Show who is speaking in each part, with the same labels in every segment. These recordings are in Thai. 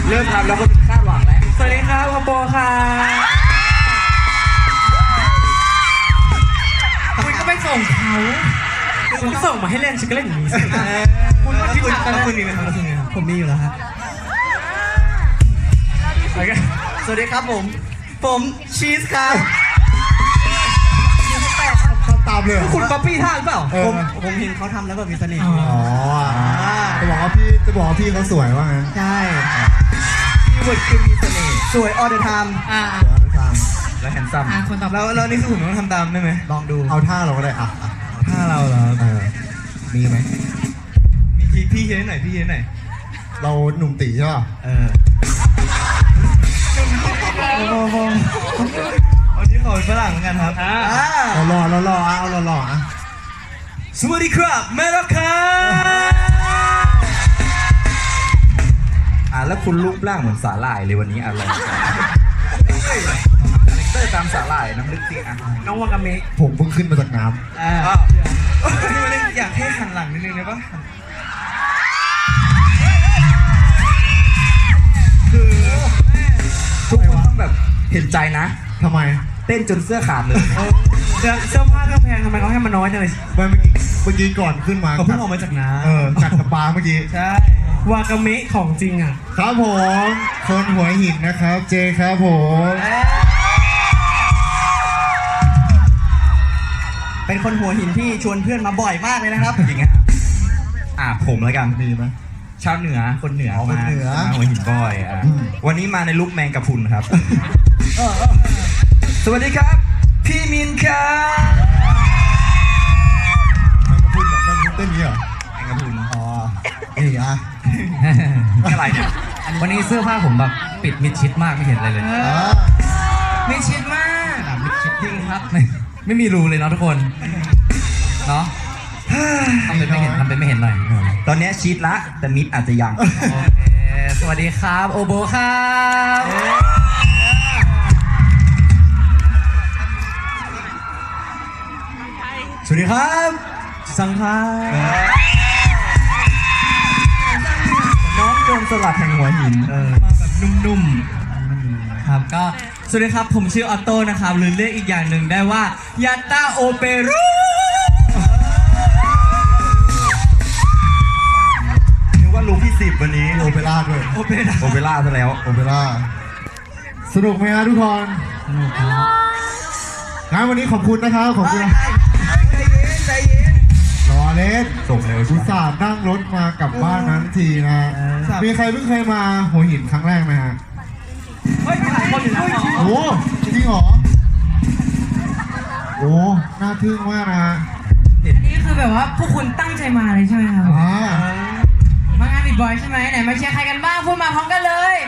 Speaker 1: เริ่มทำแล้วก็คาดหวังแล้ว
Speaker 2: สวัสดีครับโปค่ะคุณก็ไปส่งเขาคุณส่งมาให้เล่นฉันก็เล่นอย่างนี้สิคุณก็คิดหนักนะคุณมีไหมครับผมมีอยู่แล้วครับ
Speaker 3: สวัสดีครับผมชีสครับ
Speaker 4: ตามเลย
Speaker 3: คุณก๊อปปี้ท่าหรือเปล่าผมเห็นเขาทำแล้วแบบมีเสน่ห์
Speaker 4: อ๋อจะบอกว่าพี่เขาสวยว่างั้น
Speaker 3: ใช่คีย์เวิร์ดคือมีเสน่ห์สวย all the time
Speaker 1: แล้วแฮนซัม
Speaker 2: คนต่อแล้วนี่คือผมต้องทำตามได้ไหม
Speaker 3: ลองดู
Speaker 4: เอาท่าเราก็ได้
Speaker 2: ท่าเราเหรอ
Speaker 4: มีไหม
Speaker 2: มีพี่เห็นหน่อย
Speaker 4: เราหนุ่มตีใช่ป่ะ
Speaker 2: วันนี้ขอเป็นฝรั่งเหมือนกันครับ
Speaker 4: เรารอเอาเรารอ
Speaker 2: สวัสดีครับแม่รักครับ
Speaker 1: แล้วคุณรูปร่างเหมือนสาหร่ายเลยวันนี้อะไรเตอร์ตามสาหร่ายน้ำลึกสิ
Speaker 2: น้องวากาเมะ
Speaker 4: ผมเพิ่งขึ้นมาจากน้
Speaker 2: อยากให้หันหลังนิดนึงได้ปะ
Speaker 1: คือทุกคนต้องแบบเห็นใจนะ
Speaker 4: ทำไม
Speaker 1: เต้นจนเสื้อขาดเลย
Speaker 2: เสื้อผ้าเครื่องแพงทำไมเขาให้มันน้อยจังเลย
Speaker 4: เมื่อกี้ก่อนขึ้นมา
Speaker 2: เขาเพิ่งออกมาจากน้
Speaker 4: ำจากสปาเมื่อกี้
Speaker 2: ใช่วากาเมะของจริงอ่ะ
Speaker 4: ครับผมคนหัวหินนะครับเจครับผม
Speaker 3: เป็นคนหัวหินที่ชวนเพื่อนมาบ่อยมากเลยนะครับ
Speaker 1: จริงอ่ะผมแล้วกัน
Speaker 4: มีไหม
Speaker 1: ชาวเหนือคนเหนือมาหัวหินบ่อยวันนี้มาในลุคแมงกะพรุนครับสวัสดีครับพี่มินครับ
Speaker 4: แมงกะพรุนเต้นนี้เหรอ
Speaker 1: แมงกะพรุน
Speaker 4: นี่
Speaker 1: อะไรเนี่ย
Speaker 2: วันนี้เสื้อผ้าผมแบบปิดมิดชิดมากไม่เห็นอะไรเลยมิดชิดมากมิดชิดจริงครับไม่มีรูเลยเนาะทุกคนเนาะทำเป็นไม่เห็นหน่อย
Speaker 1: ตอนนี้ชีดละแต่มิดอาจจะยัง
Speaker 2: สวัสดีครับโอโบครับสวัสดีครับสังครับ
Speaker 1: น้องโจรสลัดแห่งหัวหิน
Speaker 2: มาแบบนุ่มๆครับก็สวัสดีครับผมชื่อออโต้นะครับหรือเรียกอีกอย่างหนึ่งได้ว่ายาต้าโอเปร่า
Speaker 1: นึกว่าลุงที่10วันนี้
Speaker 4: โอเปร่าด้วย
Speaker 1: โอเปร่าซะแล้ว
Speaker 4: โอเปร่าสนุกไหมครับทุกคน
Speaker 2: สนุกครับ
Speaker 4: งั้นวันนี้ขอบคุณนะครับขอบคุณ
Speaker 3: ใจเย็น
Speaker 4: รอเล่น
Speaker 1: ส่งเลย
Speaker 4: อุตส่าห์นั่งรถมากลับบ้านนั้นทีนะมีใครเพิ่งเคยมาหัวหินครั้งแรกไหมฮะ
Speaker 2: มีหลายคนอยู่นะ
Speaker 4: โอ้จริงเหรอโอ้น่าทึ่งมากนะ
Speaker 5: อันนี้คือแบบว่าพวกคุณตั้งใจมาเลยใช่ไหมครับมางานบิดบอยใช่ไหมไหนมาเชียร์ใครกันบ้างพูดมาพร้อมกันเลย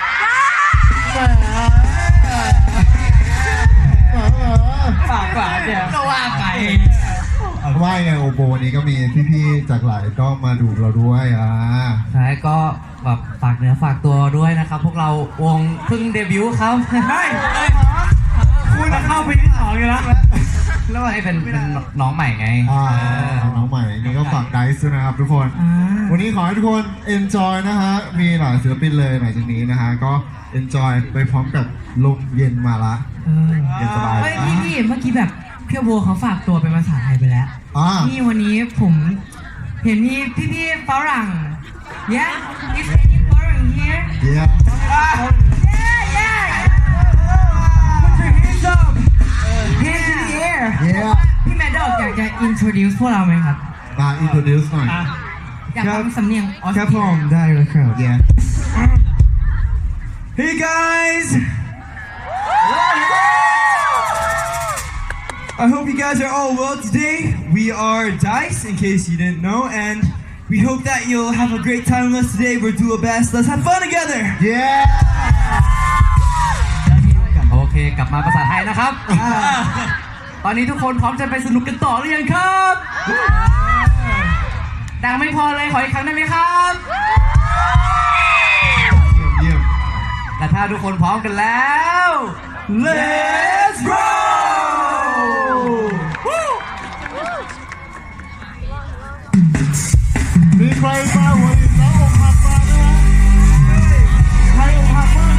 Speaker 2: ฝากเดี๋ยว
Speaker 5: ก็ว่าไป
Speaker 4: ว่าไงโอโบวันนี้ก็มีพี่ๆจากหลายก็มาดูเราด้วย
Speaker 2: ใช่ก็แบบฝากเนื้อฝากตัวด้วยนะครับพวกเราวงเพิ่งเดบิวต์ครับคุณเข้าไปที่2อยู่แล้วไอ้เป็นน้องใหม่ไง
Speaker 4: น้องใหม่นี่ก็ฝากไดซ์นะครับทุกคนวันนี้ขอให้ทุกคน enjoy นะฮะมีหลายศิลปินเลยหลังจากนี้นะฮะก็ enjoy ไปพร้อมกับลมเย็นมาละเย็นสบาย
Speaker 5: พี่เมื่อกี้แบบเพียวโบเขาฝากตัวเป็นภาษาไทยไปแล้วนี่วันนี้ผมเห็นมีพี่ฝรั่ง yeah is any foreign here
Speaker 4: yeah
Speaker 5: put your hands up hands in the air พี่แมดดอกอยากจะ introduce พวกเราไหมครับ
Speaker 4: introduce หน่อย
Speaker 5: อยากฟังสำเนียงออสเตรเลีย
Speaker 4: ครับผมได้เลยครับ yeah
Speaker 2: hey guys I hope you guys are all well today. We are Dice, in case you didn't know, and we hope that you'll have a great time with us today. We'll do our best. Let's have fun together.
Speaker 4: Yeah.
Speaker 2: โอเคกลับมาภาษาไทยนะครับ ตอนนี้ทุกคนพร้อมจะไปสนุกกันต่อหรือยังครับดังไม่พอเลยขออีกครั้งได้ไหมครับ
Speaker 4: เยี่ยม
Speaker 2: และถ้าทุกคนพร้อมกันแล้ว Let's go
Speaker 4: มีใครมาหัวหินแล้วอกหักมาไหมฮะ
Speaker 3: ฮัมเมอร์